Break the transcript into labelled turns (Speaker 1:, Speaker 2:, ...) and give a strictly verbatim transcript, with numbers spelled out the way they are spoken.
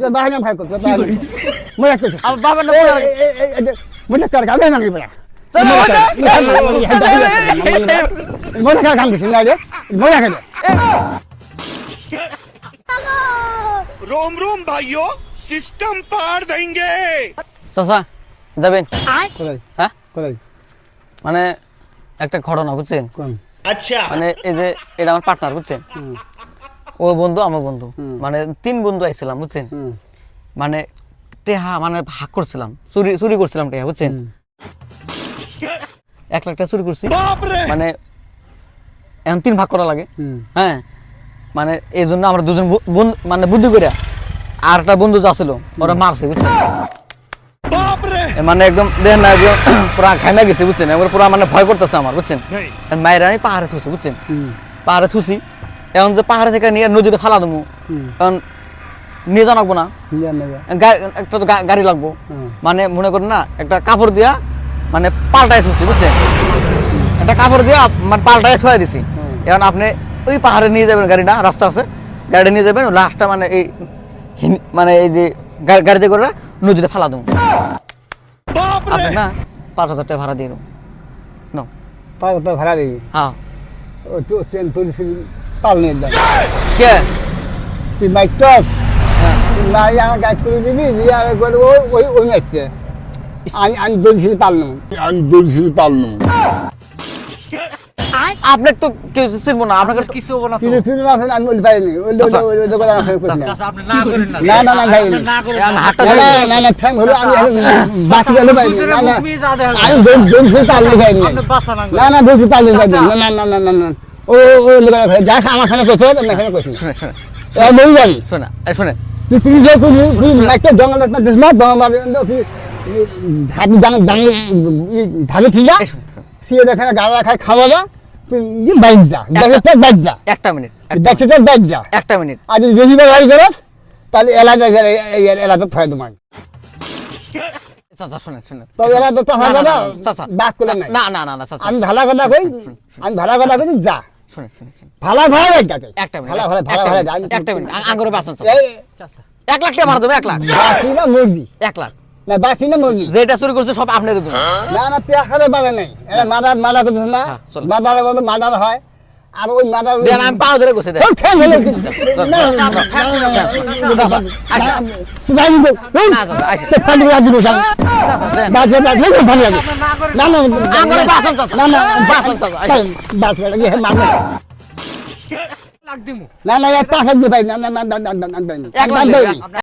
Speaker 1: বাহানা ভাই করতে মজা করতে
Speaker 2: আমার বাবার নাম
Speaker 1: মজা কর গাবে না গিয়ে মজা কর গান কিছু না রে মজা করে
Speaker 3: रोम रोम भाइयों सिस्टम पार देंगे।
Speaker 2: চাচা যাবেন
Speaker 1: কোথায়
Speaker 2: হ্যাঁ
Speaker 1: কোথায়
Speaker 2: মানে একটা ঘটনা বুঝছেন
Speaker 1: কোন
Speaker 3: अच्छा
Speaker 2: মানে এই যে এটা আমার পার্টনার বুঝছেন
Speaker 1: হুম
Speaker 2: ও বন্ধু আমার বন্ধু
Speaker 1: হুম।
Speaker 2: মানে তিন বন্ধু আইছিলাম বুঝছেন
Speaker 1: হুম
Speaker 2: মানে টেহা মানে ভাগ করছিলাম চুরি চুরি করছিলাম টেহা বুঝছেন এক লাখ টাকা চুরি করছি মানে এখন তিন ভাগ করা লাগে
Speaker 1: হুম
Speaker 2: হ্যাঁ মানে এই জন্য আমরা দুজন বু- বন্ধু মানে বুদ্ধি করে আর একটা বন্ধু যা ছিল ওরা মারছে বুঝছেন এ মানে একদম দেখেন না একদম পুরা ঘাইমা গেছে বুঝছেন এবার পুরা মানে ভয় করতেছে আমার বুঝছেন মায়ের আমি পাহাড়ে থুছি বুঝছেন
Speaker 1: হুম
Speaker 2: পাহাড়ে থুছি এখন যে পাহাড়ে থেকে নিয়ে নদীতে ফালা দেবো
Speaker 1: হুম
Speaker 2: এখন নিয়ে জানাবো না
Speaker 1: নিয়ে নেবে
Speaker 2: গা- একটা তো গা- গাড়ি লাগবো
Speaker 1: হুম
Speaker 2: মানে মনে করেন না একটা কাপড় দিয়া মানে পাল্টায় থুছি বুঝছেন একটা কাপড় দিয়া মানে পাল্টায় ছুঁয়ে দিছি
Speaker 1: হুম।
Speaker 2: এখন আপনি ওই পাহাড়ে নিয়ে যাবেন গাড়িটা রাস্তা আছে গাড়িটা নিয়ে যাবেন লাস্টটা মানে এই হিন- মানে এই যে গা- গাড়িতে করে নদীতে ফালা দেবো আপনি না পাঁচ হাজার টাকা ভাড়া দিয়ে দেবো নাও।
Speaker 1: পাঁচ টাকা ভাড়া দিবি
Speaker 2: হ্যাঁ
Speaker 1: ও তো ট্রেন তুলিস পাল নিয়ে দেয়
Speaker 2: কে
Speaker 1: তুই বাইক টস না আমার গাছ করে দিবি দিয়ে আর করে ওই ওই ওই ম্যাচকে আমি আমি দৌড়ছিল পারলাম আমি দৌড়ছিল পারলাম
Speaker 2: আপনার তো কেউ চিনবো না আপনাকে
Speaker 4: কিছু হবো না তো
Speaker 1: ফিরে ফিরে আসেন আমি বলি পাইনি ওই
Speaker 2: চাচা,
Speaker 1: ওই ওই দোকানে আসেন করছি না
Speaker 4: চাচা আপনি না করেন না
Speaker 1: না না না ভাই
Speaker 4: আপনি না করেন
Speaker 2: আমি
Speaker 4: না
Speaker 2: হাতটা
Speaker 1: না
Speaker 2: ধরে
Speaker 1: না না না ঠ্যাং হলো আমি বাকি গেলে পাইনি
Speaker 4: দুজনে
Speaker 1: না না
Speaker 4: মুখ মিয়ে যা দেখা
Speaker 1: আমি দৌড় দৌড়ছিল পারলে পাইনি
Speaker 4: আপনি বাসা না
Speaker 1: না না দৌড়ছিল পারলে পাইনি না না না না না না ও ও দোকানে ভাই যা আমার সামনে করতে হবে না এখানে করছি
Speaker 2: শুনে শুনে
Speaker 1: এ বলি যাবি
Speaker 2: শোনা এই শুনে
Speaker 1: তুই তুই যে তুই তুই একটা জঙ্গল একটা দেশ না জঙ্গল মারি তুই ধানি দান দান ধানি ঠিক যা
Speaker 2: এই শুনে, শুনে।
Speaker 1: ফিরে দেখে গাড়া খায় খাওয়া যা তুই বাইক যা দেখে তো বাইক যা
Speaker 2: একটা মিনিট
Speaker 1: দেখে তো বাইক যা
Speaker 2: একটা মিনিট
Speaker 1: আর যদি বেশি বার গাড়ি করস তাহলে এলাকা এলাকা ফায় তোমার
Speaker 2: চাচা শুনে শুনে
Speaker 1: তো এলাকা তো
Speaker 2: না,
Speaker 1: হবে
Speaker 2: না,
Speaker 1: না
Speaker 2: না, চাচা।
Speaker 1: বাদ করে নাই
Speaker 2: না না না না চাচা
Speaker 1: আমি ভালো কথা কই আমি ভালো কথা কই যা
Speaker 2: শুনে শুনে শুনে
Speaker 1: ভালো ভালো গাকে
Speaker 2: একটা মিনিট
Speaker 1: ভালো ভালো ভালো
Speaker 2: একটা
Speaker 1: ভালো
Speaker 2: মিনিট, একটা মিনিট আ- আঙ্গুরে বাঁচান চাচা।
Speaker 1: এই
Speaker 4: চাচা
Speaker 2: এক লাখ টাকা ভাড়া দেবো এক লাখ
Speaker 1: বাকি না মুরগি
Speaker 2: এক লাখ
Speaker 1: না বাকি না মুরগি
Speaker 2: যেটা চুরি করছে সব আপনার দেবো
Speaker 1: না না পেয়া খালে বাড়ে নাই এটা মাদার মাদার করতেছে না
Speaker 2: হ্যাঁ, চলো।
Speaker 1: মাদার বলতে মাদার হয় আর ওই মাদার
Speaker 2: দেন আমি পাও ধরে বসে দেন
Speaker 1: ওই ঠ্যাং হলো কি?
Speaker 2: চল,
Speaker 1: না,
Speaker 2: চল,
Speaker 1: না,
Speaker 2: চল,
Speaker 1: না, না, না, না,
Speaker 2: চাচা, আচ্ছা।
Speaker 1: না, তুই যাবি তো? ওই,
Speaker 2: না, চাচা, আচ্ছা।
Speaker 1: তুই খালি রাত দিবি, যা।
Speaker 2: চাচা, দেন।
Speaker 1: বাস, বাস, বাস, ভালো লাগে।
Speaker 4: না করেন
Speaker 1: না, না,
Speaker 2: আঙ্গুরে বাঁচান চাচা।
Speaker 1: না, না,
Speaker 2: বাঁচান চাচা, আচ্ছা।
Speaker 1: তাই, বাস, বাস, ইয়ে, মারবে।
Speaker 4: লাগ দিমু
Speaker 1: না না এক টাকা দিতে পারি না না না না না না না
Speaker 2: এক লাখ
Speaker 1: না
Speaker 2: দেবেন।